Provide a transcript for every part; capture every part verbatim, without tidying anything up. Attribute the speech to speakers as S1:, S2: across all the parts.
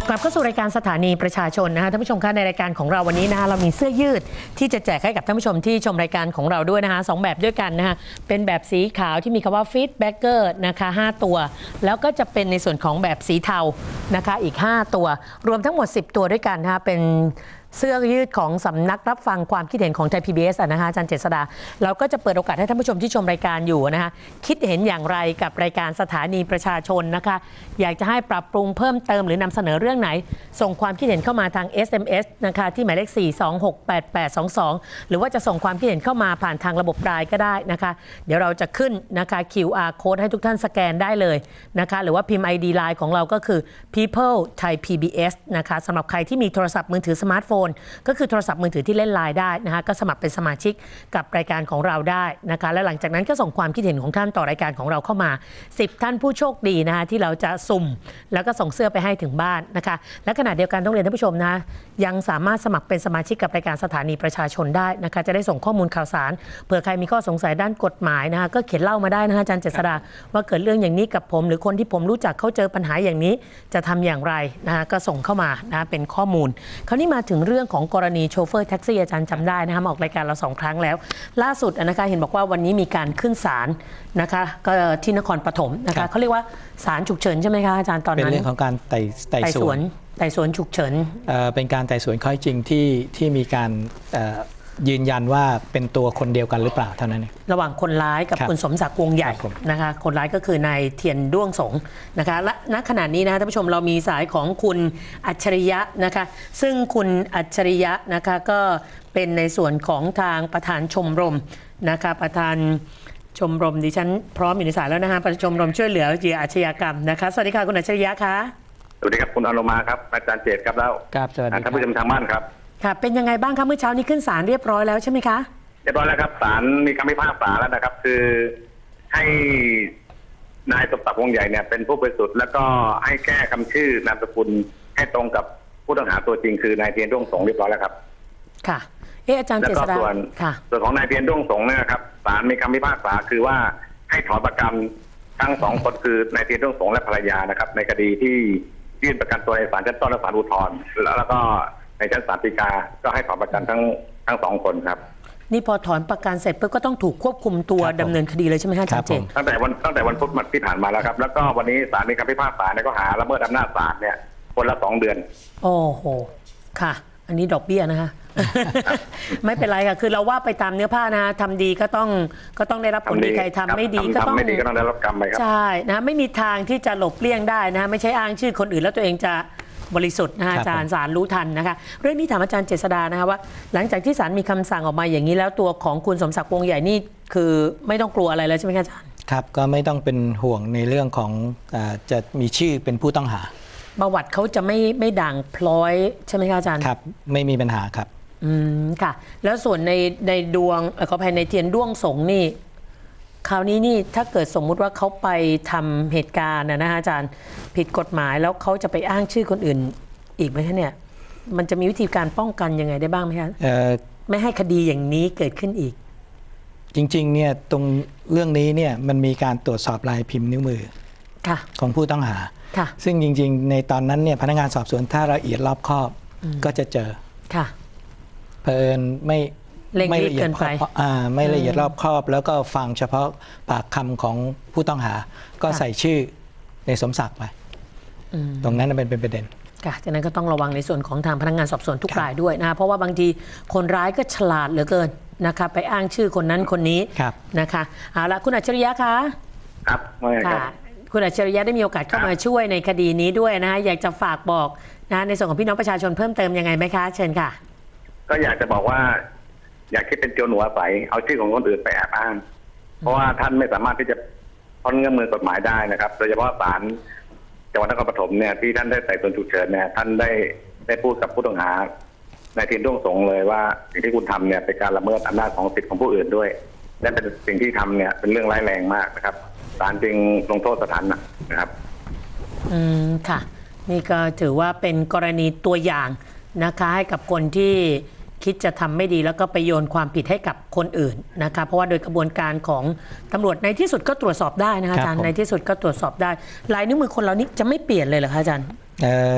S1: กลับเข้าสู่รายการสถานีประชาชนนะคะท่านผู้ชมคะในรายการของเราวันนี้นะคะเรามีเสื้อยืดที่จะแจกให้กับท่านผู้ชมที่ชมรายการของเราด้วยนะคะสองแบบด้วยกันนะคะเป็นแบบสีขาวที่มีคำว่า Feedbacker นะคะห้าตัวแล้วก็จะเป็นในส่วนของแบบสีเทานะคะอีกห้าตัวรวมทั้งหมดสิบตัวด้วยกันนะคะเป็นเสื้อยืดของสำนักรับฟังความคิดเห็นของไทย พี บี เอส นะคะอาจารย์เจษฎาเราก็จะเปิดโอกาสให้ท่านผู้ชมที่ชมรายการอยู่นะคะคิดเห็นอย่างไรกับรายการสถานีประชาชนนะคะอยากจะให้ปรับปรุงเพิ่มเติมหรือนำเสนอเรื่องไหนส่งความคิดเห็นเข้ามาทาง เอส เอ็ม เอส นะคะที่หมายเลขสี่ สอง หก แปด แปด สอง สองหรือว่าจะส่งความคิดเห็นเข้ามาผ่านทางระบบไลน์ก็ได้นะคะเดี๋ยวเราจะขึ้นนะคะ คิว อาร์ Code ให้ทุกท่านสแกนได้เลยนะคะหรือว่าพิมพ์ ไอ ดี ไลน์ของเราก็คือ people thai พี บี เอส นะคะสำหรับใครที่มีโทรศัพท์มือถือสมาร์ทโฟนก็คือโทรศัพท์มือถือที่เล่นไลน์ได้นะคะก็สมัครเป็นสมาชิกกับรายการของเราได้นะคะและหลังจากนั้นก็ส่งความคิดเห็นของท่านต่อรายการของเราเข้ามาสิบท่านผู้โชคดีนะคะที่เราจะสุ่มแล้วก็ส่งเสื้อไปให้ถึงบ้านนะคะและขณะเดียวกันต้องเรียนท่านผู้ชมนะยังสามารถสมัครเป็นสมาชิกกับรายการสถานีประชาชนได้นะคะจะได้ส่งข้อมูลข่าวสารเผื่อใครมีข้อสงสัยด้านกฎหมายนะคะก็เขียนเล่ามาได้นะคะอาจารย์เจษฎาว่าเกิดเรื่องอย่างนี้กับผมหรือคนที่ผมรู้จักเขาเจอปัญหาอย่างนี้จะทำอย่างไรนะคะก็ส่งเข้ามานะเป็นข้อมูลคราวนี้มาถึงเรื่องของกรณีโชเฟอร์แท็กซี่อาจารย์จำได้นะคะมาออกรายการเราสองครั้งแล้วล่าสุดนะคะเห็นบอกว่าวันนี้มีการขึ้นศาลนะคะก็ที่นครปฐมนะคะเขาเรียกว่าศาลฉุกเฉินใช่ไหมคะอาจารย์ตอนนั้นเป็น
S2: เรื่องของการไต่ไต่สวน
S1: ไต่สวนฉุกเฉิน
S2: เป็นการไต่สวนข้อจริงที่ที่มีการยืนยันว่าเป็นตัวคนเดียวกันหรือเปล่าเท่านั้นเอง
S1: ระหว่างคนร้ายกับคุณสมศักดิ์วงใหญ่นะคะคนร้ายก็คือนายเทียนด้วงสงนะคะและณขณะนี้นะท่านผู้ชมเรามีสายของคุณอัจฉริยะนะคะซึ่งคุณอัจฉริยะนะคะก็เป็นในส่วนของทางประธานชมรมนะคะประธานชมรมดิฉันพร้อมอยู่ในสายแล้วนะคะประธานชมรมช่วยเหลือเหยื่ออาชญากรรมนะคะสวัสดีค่ะคุณอัจฉริยะค่ะ
S3: สวัสดีครับคุณอนุมาครับอาจารย์เจตครับแล้วท่านผู้ชมทางบ้านครับ
S1: ค่ะเป็นยังไงบ้างคะเมื่อเช้านี้ขึ้นศาลเรียบร้อยแล้วใช่ไหมคะ
S3: เรียบร้อยแล้วครับศาลมีคำพิพากษาแล้วนะครับคือให้นายสมศักดิ์วงใหญ่เนี่ยเป็นผู้บริสุทธิ์แล้วก็ให้แก้คำชื่อนามสกุลให้ตรงกับผู้ต้องหาตัวจริงคือนายเทียนด้วงสงเรียบร้อยแล้วครับ
S1: ค่ะเอออาจารย์เจษฎาค่ะ
S3: ส่วนของนายเทียนด้วงสงเนี่ยครับศาลมีคำพิพากษาคือว่าให้ถอนประกันทั้งสองคนคือนายเทียนด้วงสงและภรรยานะครับในคดีที่ยื่นประกันตัวในศาลชั้นต้นและศาลอุทธรณ์แล้วก็ในชั้นศาลฎีกาก็ให้ถอนประกันทั้งทั้งสองคนครับ
S1: นี่พอถอนประกันเสร็จปุ๊บก็ต้องถูกควบคุมตัวดำเนินคดีเลยใช่ไหมคะอาจารย์เจต
S3: ตั้งแต่วันตั้งแต่วันพุธที่ผ่านมาแล้วครับแล้วก็วันนี้ศาลมีคำพิพากษาในข้อหาละเมิดอำนาจศาลเนี่ยคนละสองเดือน
S1: โอ้โหค่ะอันนี้ดอกเบี้ยนะคะ ไม่เป็นไรค่ะคือเราว่าไปตามเนื้อผ้านะทำดีก็ต้องก็ต้องได้รับผลดีใครทำไม่ดีก็ต้อง
S3: ไม่ดีก็ต้องได้รับกรรมไปครับ
S1: ใช่นะไม่มีทางที่จะหลบเลี่ยงได้นะไม่ใช่อ้างชื่อคนอื่นแล้วตัวเองจะบริสุทธิ์นะอาจารย์ศาลรู้ทันนะคะเรื่องนี้ถามอาจารย์เจษฎานะคะว่าหลังจากที่ศาลมีคำสั่งออกมาอย่างนี้แล้วตัวของคุณสมศักดิ์วงใหญ่นี่คือไม่ต้องกลัวอะไรแล้วใช่ไหมคะอาจารย์
S2: ครับก็ไม่ต้องเป็นห่วงในเรื่องของจะมีชื่อเป็นผู้ต้องหา
S1: ประวัติเขาจะไม่ไม่ด่างพร้อยใช่ไหมคะอาจารย์
S2: ครับไม่มีปัญหาครับ
S1: อืมค่ะแล้วส่วนในในดวงขออภัยในเทียนด้วงสงนี่คราวนี้นี่ถ้าเกิดสมมุติว่าเขาไปทำเหตุการณ์นะฮะอาจารย์ผิดกฎหมายแล้วเขาจะไปอ้างชื่อคนอื่นอีกไหมคะเนี่ยมันจะมีวิธีการป้องกันยังไงได้บ้างไหมคะไม่ให้คดีอย่างนี้เกิดขึ้นอีก
S2: จริงๆเนี่ยตรงเรื่องนี้เนี่ยมันมีการตรวจสอบลายพิมพ์นิ้วมือของผู้ต้องหาซึ่งจริงๆในตอนนั้นเนี่ยพนักงานสอบสวนถ้าละเอียดรอบคอบก็จะเจอเพลินไม่
S1: ไม่ละเอียดไป
S2: ไม่ละเอียดรอบคอบแล้วก็ฟังเฉพาะปากคำของผู้ต้องหาก็ใส่ชื่อในสมศักดิ์ไปตรงนั้นเป็นเป็นประเด็น
S1: ค่ะจากนั้นก็ต้องระวังในส่วนของทางพนักงานสอบสวนทุกรายด้วยนะเพราะว่าบางทีคนร้ายก็ฉลาดเหลือเกินนะคะไปอ้างชื่อคนนั้นคนนี้นะคะเอาละคุณอัจฉริยะคะ
S3: ครับ
S1: ค่ะคุณอัจฉริยะได้มีโอกาสเข้ามาช่วยในคดีนี้ด้วยนะอยากจะฝากบอกนะในส่วนของพี่น้องประชาชนเพิ่มเติมยังไงไหมคะเชิญค่ะ
S3: ก็อยากจะบอกว่าอยากคิดเป็นโจรหัวใสเอาชื่อของคนอื่นไปแอบอ้างเพราะว่าท่านไม่สามารถที่จะพ้นเงื้อมือกฎหมายได้นะครับโดยเฉพาะศาลจังหวัดนครปฐมเนี่ยที่ท่านได้ไต่สวนฉุกเฉินเนี่ยท่านได้ได้พูดกับผู้ต้องหานายเทียนด้วงสงเลยว่าสิ่งที่คุณทำเนี่ยเป็นการละเมิดอำนาจของสิทธิของผู้อื่นด้วยและเป็นสิ่งที่ทำเนี่ยเป็นเรื่องร้ายแรงมากนะครับศาลจึงลงโทษสถานนะครับ
S1: อืมค่ะนี่ก็ถือว่าเป็นกรณีตัวอย่างนะคะให้กับคนที่คิดจะทำไม่ดีแล้วก็ไปโยนความผิดให้กับคนอื่นนะคะเพราะว่าโดยกระบวนการของตำรวจในที่สุดก็ตรวจสอบได้นะคะอาจารย์ในที่สุดก็ตรวจสอบได้ลายนิ้วมือคนเรานี่จะไม่เปลี่ยนเลยเหรอคะอาจารย์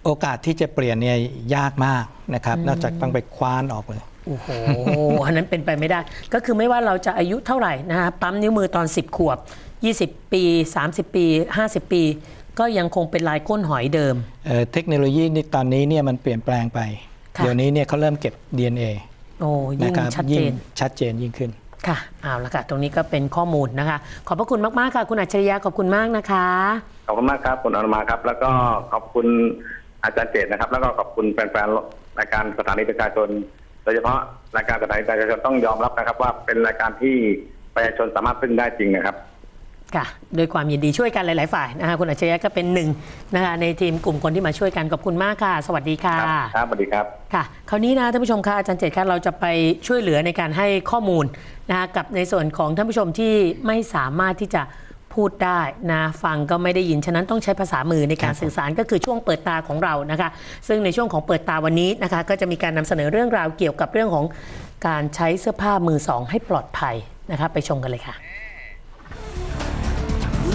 S2: โอกาสที่จะเปลี่ยนเนี่ยยากมากนะครับนอกจากต้องไปคว้านออกเลย
S1: โอ้โห อันนั้นเป็นไปไม่ได้ก็คือไม่ว่าเราจะอายุเท่าไหร่นะฮะปั๊มนิ้วมือตอนสิบขวบยี่สิบปีสามสิบปีห้าสิบปีก็ยังคงเป็นลายก้นหอยเดิม
S2: เ, เทคโนโลยีนี่ตอนนี้เนี่ยมันเปลี่ยนแปลงไปเดี๋ยวนี้เนี่ยเขาเริ่มเก็บ ดี เอ็น เอ
S1: โอ้ยิ่งชัดเจน
S2: ชัดเจนยิ่งขึ้น
S1: ค่ะเอาละค่ะตรงนี้ก็เป็นข้อมูลนะคะขอบพระคุณมากๆค่ะคุณอัจฉริยะขอบคุณมากนะคะ
S3: ขอบคุณมากครับคุณอนุมาครับแล้วก็ขอบคุณอาจารย์เจตนะครับแล้วก็ขอบคุณแฟนๆรายการสถานีประชาชนโดยเฉพาะรายการสถานีประชาชนต้องยอมรับนะครับว่าเป็นรายการที่ประชาชนสามารถพึ่งได้จริงนะครับ
S1: ค่ะโดยความยินดีช่วยกันหลายๆฝ่ายนะคะคุณอัจฉริยะก็เป็นหนึ่งนะคะในทีมกลุ่มคนที่มาช่วยกันขอบคุณมากค่ะสวัสดีค่ะ
S3: ครับสวัสดีครับ
S1: ค่ะคราวนี้นะท่านผู้ชมค่ะอาจารย์เจตค่ะเราจะไปช่วยเหลือในการให้ข้อมูลนะคะกับในส่วนของท่านผู้ชมที่ไม่สามารถที่จะพูดได้นะฟังก็ไม่ได้ยินฉะนั้นต้องใช้ภาษามือในการสื่อสารก็คือช่วงเปิดตาของเรานะคะซึ่งในช่วงของเปิดตาวันนี้นะคะก็จะมีการนำเสนอเรื่องราวเกี่ยวกับเรื่องของการใช้เสื้อผ้ามือสองให้ปลอดภัยนะคะไปชมกันเลยค่ะ